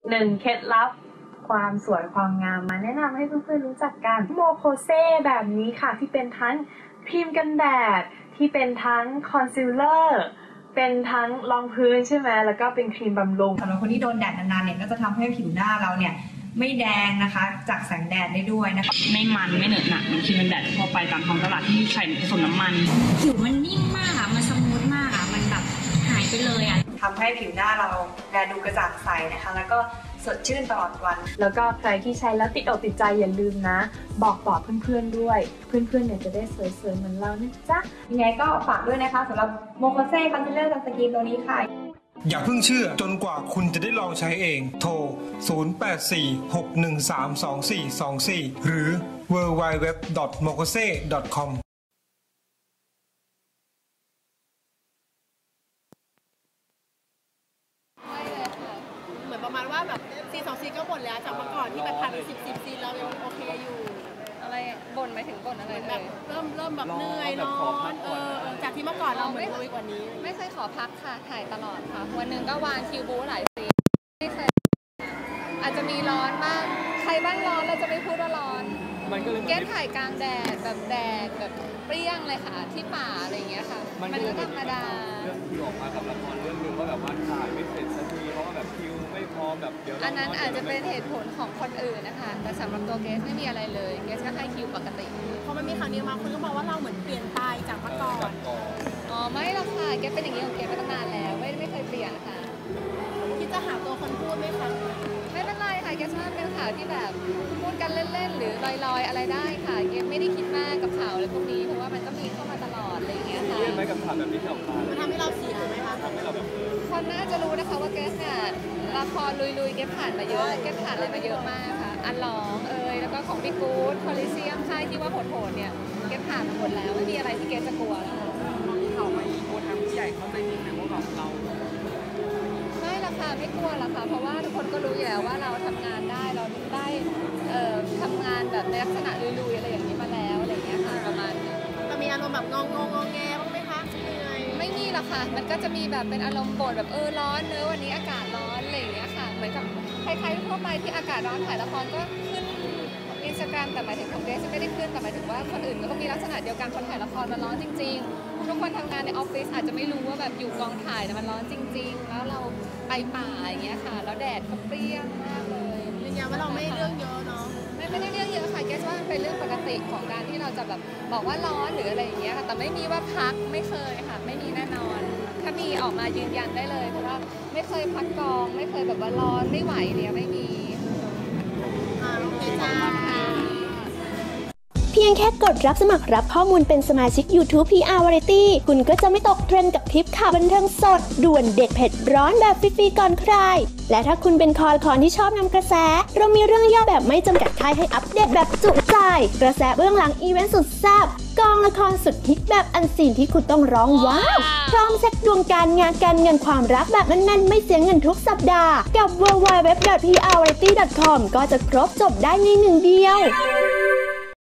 1 เคล็ดลับความสวยความงามมาแนะนำให้เพื่อนๆรู้จักกันโมโคเซแบบนี้ค่ะที่เป็นทั้งครีมกันแดดที่เป็นทั้งคอนซีลเลอร์เป็นทั้งรองพื้นใช่ไหมแล้วก็เป็นครีมบำรุงสำหรับคนที่โดนแดดนานๆเนี่ยก็จะทำให้ผิวหน้าเราเนี่ยไม่แดงนะคะจากแสงแดดได้ด้วยนะคะไม่มันไม่เหนอะหนักมันครีมกันแดดทั่วไปตามท้องตลาดที่ใส่ผสมน้ำมันผิวมันนิ่มมากอะมันสมูทมากอะมันแบบหายไปเลยอะทำให้ผิวหน้าเราแลดูกระจ่างใสนะคะแล้วก็สดชื่นตลอดวันแล้วก็ใครที่ใช้แล้วติดอกติดใจอย่าลืมนะบอกต่อเพื่อนๆด้วยเพื่อนๆเนี่ยจะได้สวยๆเหมือนเรานะจ๊ะยังไงก็ฝากด้วยนะคะสำหรับโมโคเซ่คอนซีลเลอร์สกินตัวนี้ค่ะอย่าเพิ่งเชื่อจนกว่าคุณจะได้ลองใช้เองโทร 0846132424 หรือ www.mokose.com เหมือนประมาณว่าแบบซี2 ซีก็บ่นแล้วจากเมื่อก่อนที่แบบผ่านไป10 ซีเรายังโอเคอยู่อะไรบ่นหมายถึงบ่นอะไรแบบเริ่มแบบเหนื่อยร้อนจากที่เมื่อก่อนเราเหมือนลุยกว่านี้ไม่เคยขอพักค่ะถ่ายตลอดค่ะวันหนึ่งก็วางคิวบูหลายซีไม่เคยอาจจะมีร้อนบ้างใครบ้างร้อนเราจะไม่พูดว่าร้อนแก้ถ่ายกลางแดดแบบแดดแบบเปรี้ยงเลยค่ะที่ป่าอะไรอย่างเงี้ยค่ะมันก็ธรรมดาเรื่องคิวออกมากับละครเรื่องนึงว่าแบบว่าถ่ายไม่เสร็จสักทีเพราะว่าแบบคิวไม่พร้อมแบบเดี๋ยวอันนั้นอาจจะเป็นเหตุผลของคนอื่นนะคะแต่สำหรับตัวเกสไม่มีอะไรเลยเกสก็ให้คิวปกติพอมันมีข่าวนี้มาคนก็บอกว่าเราเหมือนเปลี่ยนไปจากเมื่อก่อนอ๋อไม่หรอกค่ะเกสเป็นอย่างนี้ของเกสมาตั้งนานแล้วไม่เคยเปลี่ยนค่ะคิดจะหาตัวคนพูดไหมคะไม่เป็นไรค่ะเกสว่าเป็นข่าวที่แบบพูดกันเล่นๆหรือลอยๆอะไรได้ค่ะเกสไม่ได้คิดมากกับข่าวอะไรพวกนี้เพราะว่ามันก็มีเข้ามาตลอดอะไรอย่างเงี้ยค่ะเล่นไหมกับข่าวแบบนี้ที่ออกมามันทำให้เราเสียไหมคะทำให้เราแบบคนน่าจะรู้นะคะว่าเกสเนี่ยละครลุยๆเกสผ่านมาเยอะเกสผ่านอะไรมาเยอะมากค่ะอันหลองแล้วก็ของพี่กู๊ดโพลิเซียมค่ายที่ว่าโหดๆเนี่ยเกสผ่านมาหมดแล้วไม่มีอะไรที่เกสจะกลัวแล้วข่าวมาอีกคนทางผู้ใหญ่เขาใจดีนะว่าแบบเราไม่ละค่ะไม่กลัวละค่ะเพราะว่าทุกคนก็รู้อยู่แล้วว่าเราทำงานได้เราได้ทำงานแบบในลักษณะลุยๆอะไรอย่างนี้มาแล้วอะไรอย่างเงี้ยค่ะประมาณนี้จะมีอารมณ์แบบงงแงบ้างไหมคะไม่มีหรอกค่ะมันก็จะมีแบบเป็นอารมณ์บ่นแบบร้อนวันนี้อากาศร้อนอะไรอย่างเงี้ยค่ะเหมือนกับใครๆทั่วไปที่อากาศร้อนถ่ายละครก็ขึ้นInstagramแต่หมายถึงของเกสไม่ได้ขึ้นแต่หมายถึงว่าคนอื่นก็มีลักษณะเดียวกันคนถ่ายละครมันร้อนจริงๆทุกคนทำงานในออฟฟิศอาจจะไม่รู้ว่าแบบอยู่กองถ่ายมันร้อนจริงๆแล้วเราไปป่าอย่างเงี้ยค่ะแล้วแดดก็เปรี้ยงมากเลยยืนยันว่าเราไม่เรื่องเยอะเนาะไม่ได้เรื่องเยอะค่ะเกสว่าเป็นเรื่องปกติของการที่เราจะแบบบอกว่าร้อนหรืออะไรอย่างเงี้ยค่ะแต่ไม่มีว่าพักไม่เคยค่ะไม่มีแน่นอนถ้ามีออกมายืนยันได้เลยเพราะว่าไม่เคยพักกองไม่เคยแบบว่าร้อนไม่ไหวเนี่ยไม่มีโอเคจ้าเพียงแค่กดรับสมัครรับข้อมูลเป็นสมาชิก YouTube PR Variety คุณก็จะไม่ตกเทรนด์กับคลิปข่าวบันเทิงสดด่วนเด็ดเผ็ดร้อนแบบฟรีๆก่อนใครและถ้าคุณเป็นคอที่ชอบนำกระแสเรามีเรื่องย่อแบบไม่จำกัดท้ายให้อัปเดตแบบจุใจกระแสเบื้องหลังอีเวนต์สุดแซ่บกองละครสุดฮิตแบบอันซีนที่คุณต้องร้องว้าวพร้อมเซ็ตดวงการงานการเงินความรักแบบแน่นๆไม่เสียเงินทุกสัปดาห์กับ www.prvariety.com ก็จะครบจบได้ในหนึ่งเดียว